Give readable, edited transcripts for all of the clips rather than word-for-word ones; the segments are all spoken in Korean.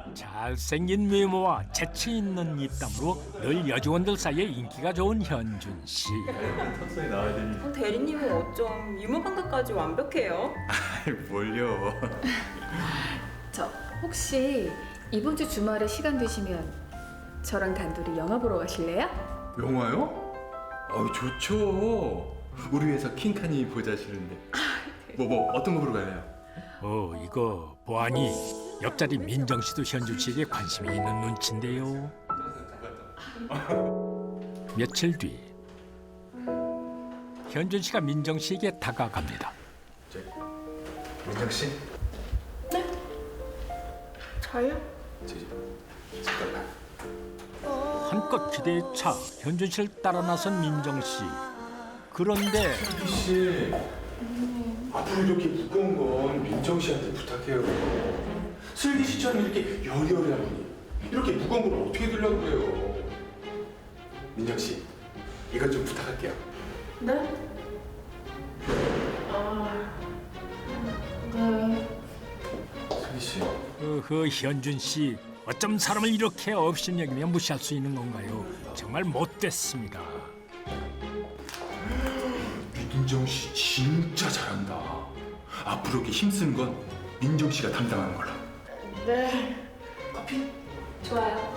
잘생긴 외모와 재치 있는 입담으로 늘 여직원들 사이에 인기가 좋은 현준 씨. 턱선이 나와야 되니. 대리님은 어쩜 유머 감각까지 완벽해요? 뭘요? 저 혹시 이번 주 주말에 시간 되시면 저랑 단둘이 영화 보러 가실래요? 영화요? 좋죠. 우리 회사 킹카니 보자 싫은데. 뭐 어떤 거 보러 가요? 이거 보아니 옆자리 민정 씨도 현준 씨에게 관심이 있는 눈치인데요. 며칠 뒤 현준 씨가 민정 씨에게 다가갑니다. 민정 씨? 저요? 잠깐만. 한껏 기대에 차 현준 씨를 따라 나선 민정 씨. 그런데 씨, 앞으로 이렇게 무거운 건 민정 씨한테 부탁해요. 슬기 씨처럼 이렇게 여리여리한 분이 이렇게 무거운 걸 어떻게 들려고 그래요? 민정 씨, 이것 좀 부탁할게요. 네? 네. 슬기 씨, 현준 씨 어쩜 사람을 이렇게 업신여기며 무시할 수 있는 건가요? 정말 못됐습니다. 민정 씨 진짜 잘한다. 앞으로 이렇게 힘쓰는 건 민정 씨가 담당하는 걸로. 네. 커피? 좋아요.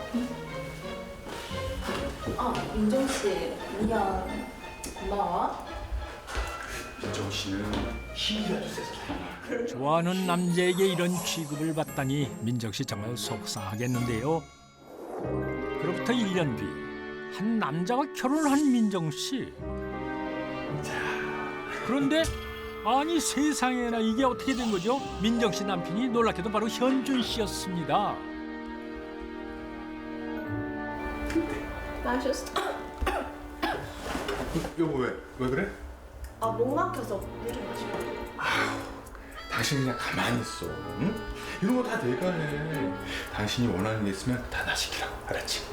민정 씨, 미안. 고마워. 민정 씨는 힘이라도 세서 다행이야. 좋아하는 남자에게 이런 취급을 받다니 민정 씨 정말 속상하겠는데요. 그로부터 1년 뒤 한 남자와 결혼한 민정 씨. 그런데 아니 세상에나 이게 어떻게 된 거죠? 민정 씨 남편이 놀랍게도 바로 현준 씨였습니다. 마셨어. 여보 왜 그래? 목 막혀서 물 좀 마시고. 당신 그냥 가만히 있어. 응? 이런 거 다 내가 해. 당신이 원하는 게 있으면 다 나 시키라고. 알았지?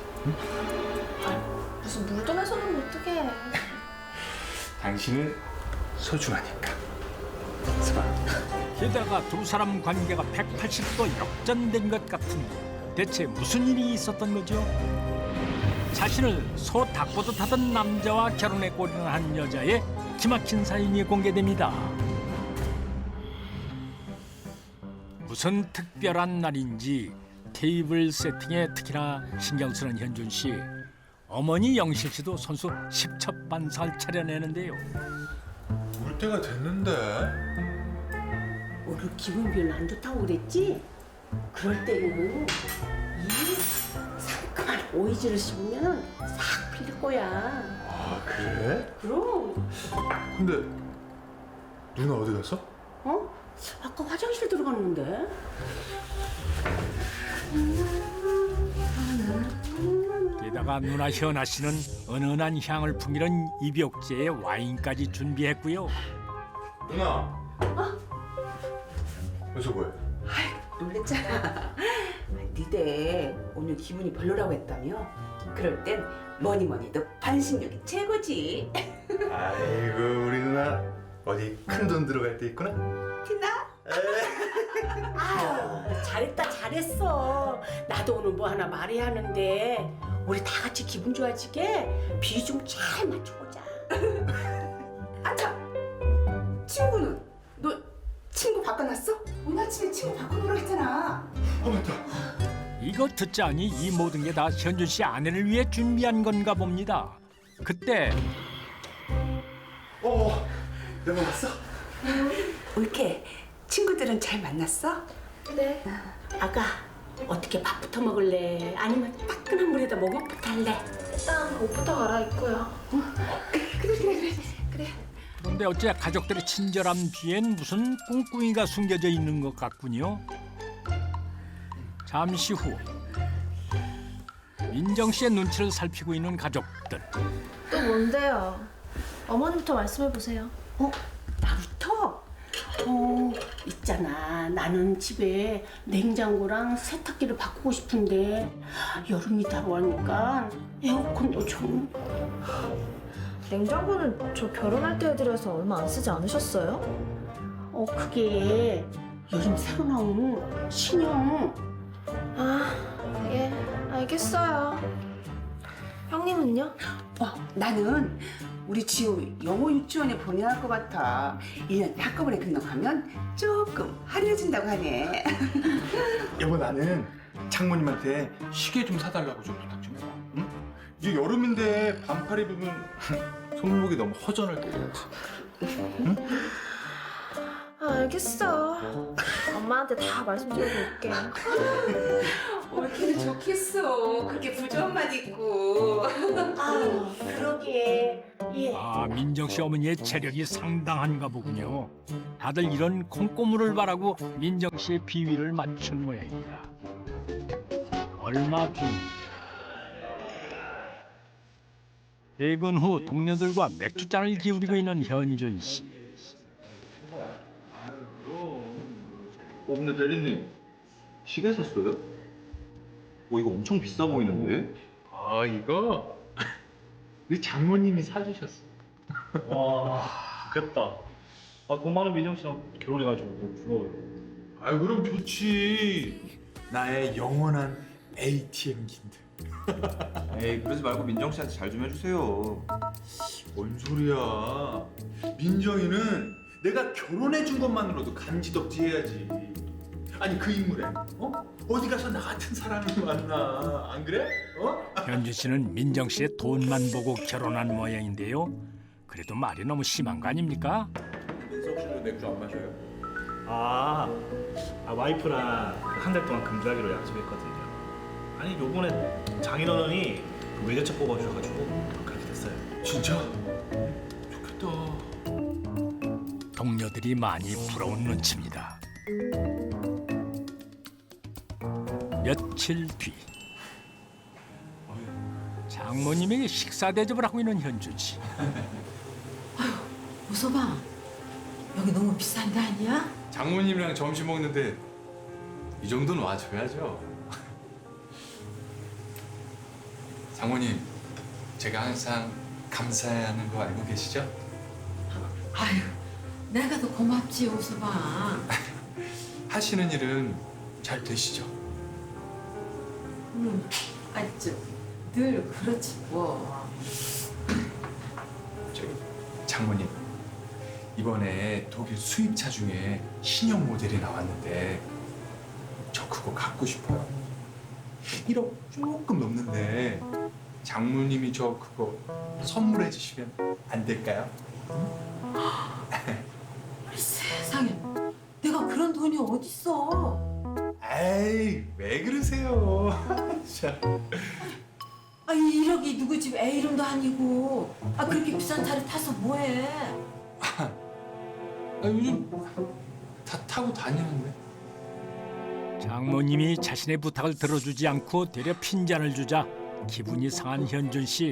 무슨 물도 마셔놓으면 어떡해. 당신은 소중하니까. 스바. 게다가 두 사람 관계가 180도 역전된 것 같은데 대체 무슨 일이 있었던 거죠? 자신을 소 닭보듯 하던 남자와 결혼에 골인한 여자의 기막힌 사연이 공개됩니다. 무슨 특별한 날인지 테이블 세팅에 특히나 신경 쓰는 현준 씨. 어머니 영실 씨도 선수 십첩반살 차려내는데요. 올 때가 됐는데. 오늘 기분 별로 안 좋다고 그랬지? 그럴 때는 이 상큼한 오이지를 씹으면 싹 풀릴 거야. 아 그래? 그럼. 근데 누나 어디 갔어? 어? 아까 화장실 들어갔는데. 게다가 누나 현아 씨는 은은한 향을 풍기는 입욕제에 와인까지 준비했고요. 누나. 여기서 뭐해? 놀랬잖아. 니네 오늘 기분이 별로라고 했다며? 그럴 땐 뭐니뭐니도 반신욕이 최고지. 아이고 우리 누나 어디 큰 돈 들어갈 때 있구나. 티나? 아유, 잘했다 잘했어. 나도 오늘 뭐 하나 말해야 하는데 우리 다 같이 기분 좋아지게 비 좀 잘 맞춰보자. 아참, 친구는? 너 친구 바꿔놨어? 오늘 아침에 친구 바꿔보라고 했잖아. 맞다. 이거 듣자니 이 모든 게 다 현준 씨 아내를 위해 준비한 건가 봅니다. 그때 내가 왔어? 올케, 친구들은 잘 만났어? 네. 아가, 어떻게 밥부터 먹을래? 아니면 따끈한 물에다 목욕부터 할래? 일단 옷부터 갈아입고요. 그런데 어째 가족들의 친절함 뒤엔 무슨 꿍꿍이가 숨겨져 있는 것 같군요. 잠시 후 민정 씨의 눈치를 살피고 있는 가족들. 또 뭔데요? 어머니부터 말씀해 보세요. 나부터? 있잖아. 나는 집에 냉장고랑 세탁기를 바꾸고 싶은데 여름이 다가오니까 에어컨도 좀. 냉장고는 저 결혼할 때 해드려서 얼마 안 쓰지 않으셨어요? 그게 요즘 새로 나온 신형. 예, 알겠어요. 형님은요? 나는 우리 지우 영어 유치원에 보내야 할 것 같아. 1년 한꺼번에 등록하면 조금 화려해진다고 하네. 여보 나는 장모님한테 시계 좀 사달라고 좀 부탁 좀 해봐. 응? 이제 여름인데 반팔 입으면 손목이 너무 허전할 것 같아. 알겠어. 엄마한테 다 말씀드려볼게. 옳기는 좋겠어. 그렇게 부조함만 있고. 아, 그러게. 예. 아, 민정 씨 어머니의 체력이 상당한가 보군요. 다들 이런 콩고물을 바라고 민정 씨의 비위를 맞춘 모양입니다. 얼마 뒤 퇴근 후 동료들과 맥주잔을 기울이고 있는 현준 씨. 근데 대리님 시계 샀어요? 이거 엄청 비싸 보이는데? 아 이거 우리 장모님이 사주셨어. 와, 좋겠다. 돈 많은 민정 씨랑 결혼해가지고 너무 부러워요. 아 그럼 좋지. 나의 영원한 ATM기인데. 에이 그러지 말고 민정 씨한테 잘 좀 해주세요. 뭔 소리야? 민정이는 내가 결혼해 준 것만으로도 간지덕지 해야지. 아니 그 인물에 어디 가서 나 같은 사람을 만나 안 그래? 현준 씨는 민정 씨의 돈만 보고 결혼한 모양인데요. 그래도 말이 너무 심한 거 아닙니까? 민석 씨도 맥주 안 마셔요? 와이프랑 한 달 동안 금주하기로 약속했거든요. 아니 요번에 장인어른이 그 외제차 뽑아주셔가지고 그렇게 됐어요. 진짜? 좋겠다. 동료들이 많이 부러운 눈치입니다. 며칠 뒤 장모님에게 식사 대접을 하고 있는 현준 씨. 웃어봐. 여기 너무 비싼 데 아니야? 장모님이랑 점심 먹는데 이 정도는 와줘야죠. 장모님, 제가 항상 감사해야 하는 거 알고 계시죠? 아유, 내가 더 고맙지, 웃어봐. 하시는 일은 잘 되시죠? 늘 그렇지 뭐. 저기 장모님, 이번에 독일 수입차 중에 신형 모델이 나왔는데 저 그거 갖고 싶어요. 1억 조금 넘는데 장모님이 저 그거 선물해 주시면 안 될까요? 세상에, 내가 그런 돈이 어딨어? 에이, 왜 그러세요? 자. 1억이 누구 집 애 이름도 아니고. 그렇게 비싼 차를 타서 뭐해? 요즘 다 타고 다니는데. 장모님이 자신의 부탁을 들어주지 않고 되려 핀잔을 주자 기분이 상한 현준 씨.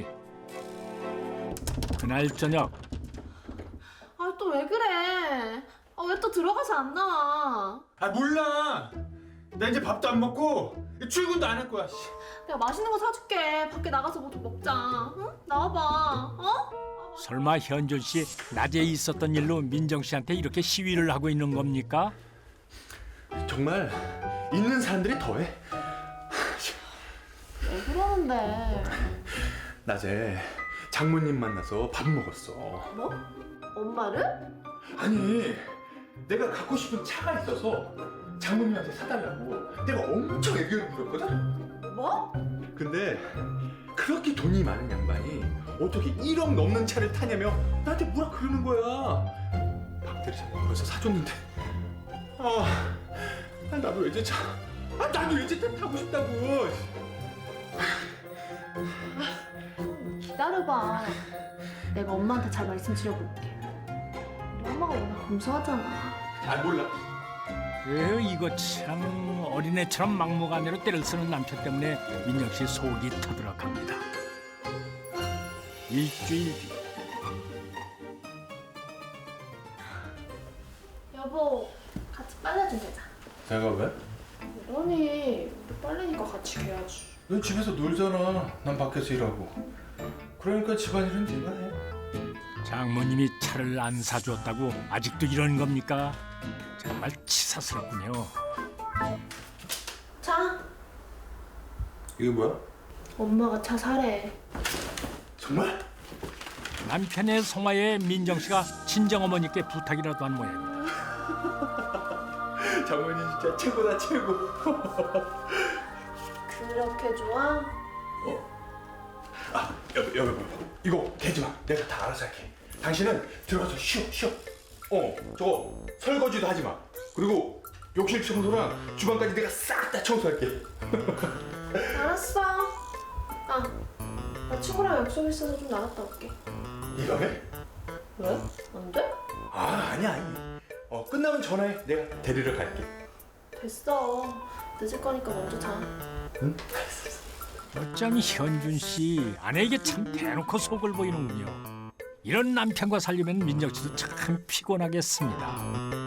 그날 저녁 또 왜 그래? 왜 또 들어가서 안 나와? 몰라. 나 이제 밥도 안 먹고 출근도 안 할 거야. 내가 맛있는 거 사줄게. 밖에 나가서 뭐 좀 먹자. 응? 나와봐. 설마 현준 씨 낮에 있었던 일로 민정 씨한테 이렇게 시위를 하고 있는 겁니까? 정말 있는 사람들이 더해. 왜 그러는데? 낮에 장모님 만나서 밥 먹었어. 뭐? 엄마를? 아니, 내가 갖고 싶은 차가 있어서 장모님한테 사달라고 내가 엄청 애교를 부렸거든? 뭐? 근데 그렇게 돈이 많은 양반이 어떻게 1억 넘는 차를 타냐며 나한테 뭐라 그러는 거야. 박 대리사님 벌써 사줬는데 나도 외제차 나도 외제차 타고 싶다고. 기다려봐. 내가 엄마한테 잘 말씀드려볼게. 우리 엄마가 워낙 검소하잖아. 잘 몰라. 이거 참 어린애처럼 막무가내로 때를 쓰는 남편 때문에 민정 씨 속이 터들어갑니다. 일주일 뒤 여보, 같이 빨래 좀 개자. 내가 왜? 그러니 우리 빨래니까 같이 개야지. 넌 집에서 놀잖아. 난 밖에서 일하고. 그러니까 집안일은 네가 해. 장모님이 차를 안 사주었다고 아직도 이런 겁니까? 정말 치사스럽군요. 자, 이게 뭐야? 엄마가 차 사래. 정말? 남편의 송화에 민정 씨가 친정 어머니께 부탁이라도 한 모양입니다. 장모님 진짜 최고다 최고. 그렇게 좋아? 아 여보 이거 개지 마. 내가 다 알아서 할게. 당신은 들어가서 쉬어. 저거 설거지도 하지 마. 그리고 욕실 청소랑 주방까지 내가 싹 다 청소할게. 알았어. 아, 나 친구랑 약속 있어서 좀 나갔다 올게. 이 밤에? 왜? 안 돼? 아 아니야. 끝나면 전화해. 내가 데리러 갈게. 됐어. 늦을 거니까 먼저 자. 응? 어쩜 현준 씨 아내에게 참 대놓고 속을 보이는군요. 이런 남편과 살려면 민정 씨도 참 피곤하겠습니다.